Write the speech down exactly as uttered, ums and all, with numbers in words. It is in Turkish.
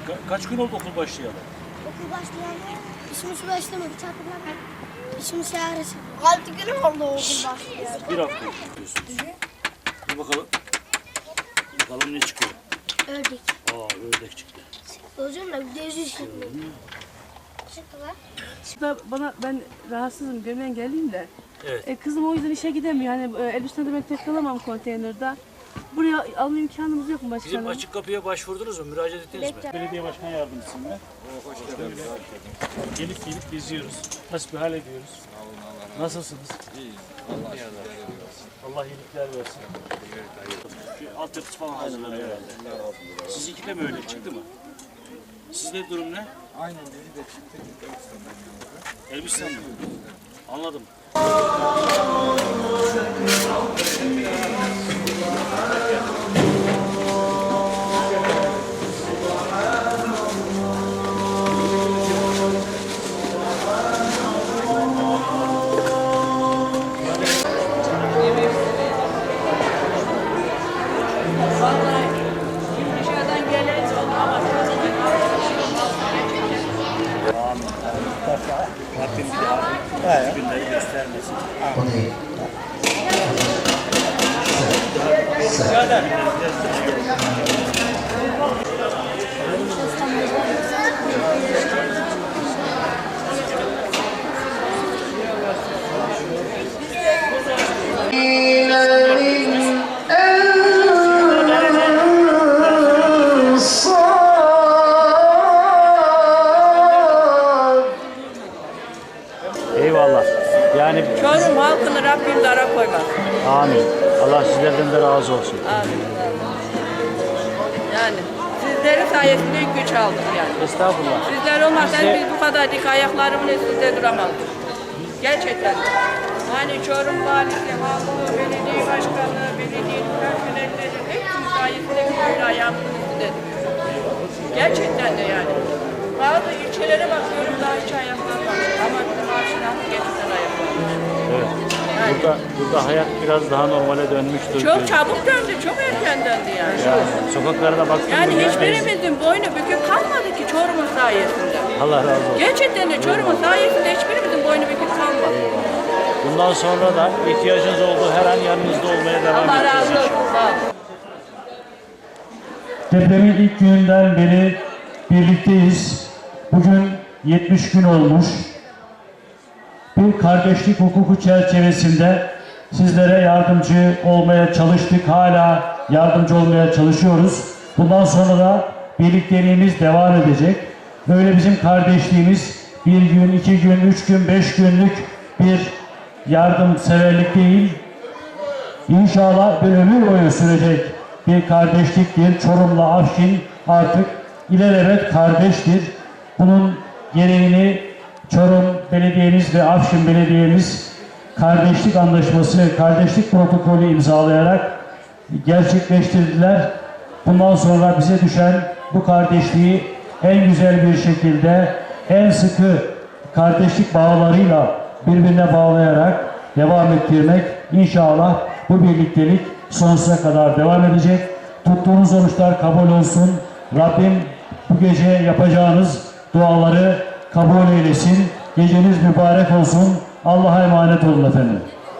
Ka kaç gün oldu okul başlayalı? Okul başlayalı işimiz başlamadı. Çatırlar. İşimiz yarısı. Altı gün oldu okul başlayalı. Bir hafta diyorsunuz. Bir bakalım. Bakalım ne çıkıyor. Ördek. Aa ördek çıktı. Hocam da bir de yüzü çıktı. Çıktılar. Da bana ben rahatsızım, gömen geleyim de. Evet. E, kızım o yüzden işe gidemiyor. Hani e, Elbistan'da ben tek kalamam konteynerde. Buraya alma imkanımız yok mu başkanım? Bizim açık kapıya başvurdunuz mu? Müracaat ettiniz mi? Belediye başkan yardımcısıyım ben. Hoş geldiniz. Gelip gelip geziyoruz. Hasbihal ediyoruz. Nasılsınız? İyiyiz. Allah iyilikler versin. Allah iyilikler versin. Şu altyapısı falan hazırlanıyor herhalde. Sizinki de mi öyle çıktı mı? Sizde durum ne? Aynen beni de çıktı. Elbistan'dan Elbistan mı? Anladım. Dışarıdan gelen ama Rabbim bir daha günleri göstermesin. Eyvallah. Yani Çorum halkını Rabbim dara koymaz. amin. Allah sizlerden de razı olsun. Amin. Yani sizlerin sayesinde güç aldık yani. Estağfurullah. Sizler olmazsa Size- biz bu kadar dik ayaklarımın üstünde duramazdık. Gerçekten. Yani Çorum valisi, halkı, belediye başkanı, belediye personelleri hepsinin sayesinde böyle ayağımızın üstünde duruyoruz. Gerçekten de yani. Bazı ilçelere bakıyorum daha hiç ayaklar var. Ama bizim Arşinan gerçekten ayaklar var. Evet. Yani Burada, burada hayat biraz daha normale dönmüştür. çok çabuk döndü, çok erken döndü yani. Yani sokaklara baktığımız Yani yerdeyiz. hiçbirimizin boynu bükük kalmadı ki Çorum'un sayesinde. Allah razı olsun. Gerçekten de Çorum'un sayesinde hiçbirimizin boynu bükük kalmadı. Bundan sonra da ihtiyacınız olduğu her an yanınızda olmaya devam Allah edeceğiz razı olsun. inşallah. Sağ olun. Depremin ilk gününden beri birlikteyiz. Bugün yetmiş gün olmuş. Bir kardeşlik hukuku çerçevesinde sizlere yardımcı olmaya çalıştık. Hala yardımcı olmaya çalışıyoruz. Bundan sonra da birlikteliğimiz devam edecek. Böyle bizim kardeşliğimiz bir gün, iki gün, üç gün, beş günlük bir yardımseverlik değil. İnşallah bir ömür boyu sürecek bir kardeşliktir. Çorum'la Afşin artık ilelebet kardeştir. Bunun gereğini Çorum Belediyemiz ve Afşin Belediyemiz kardeşlik anlaşması ve kardeşlik protokolü imzalayarak gerçekleştirdiler. Bundan sonra bize düşen bu kardeşliği en güzel bir şekilde, en sıkı kardeşlik bağlarıyla birbirine bağlayarak devam ettirmek. İnşallah bu birliktelik sonsuza kadar devam edecek. Tuttuğunuz oruçlar kabul olsun. Rabbim bu gece yapacağınız duaları kabul eylesin. Geceniz mübarek olsun. Allah'a emanet olun efendim.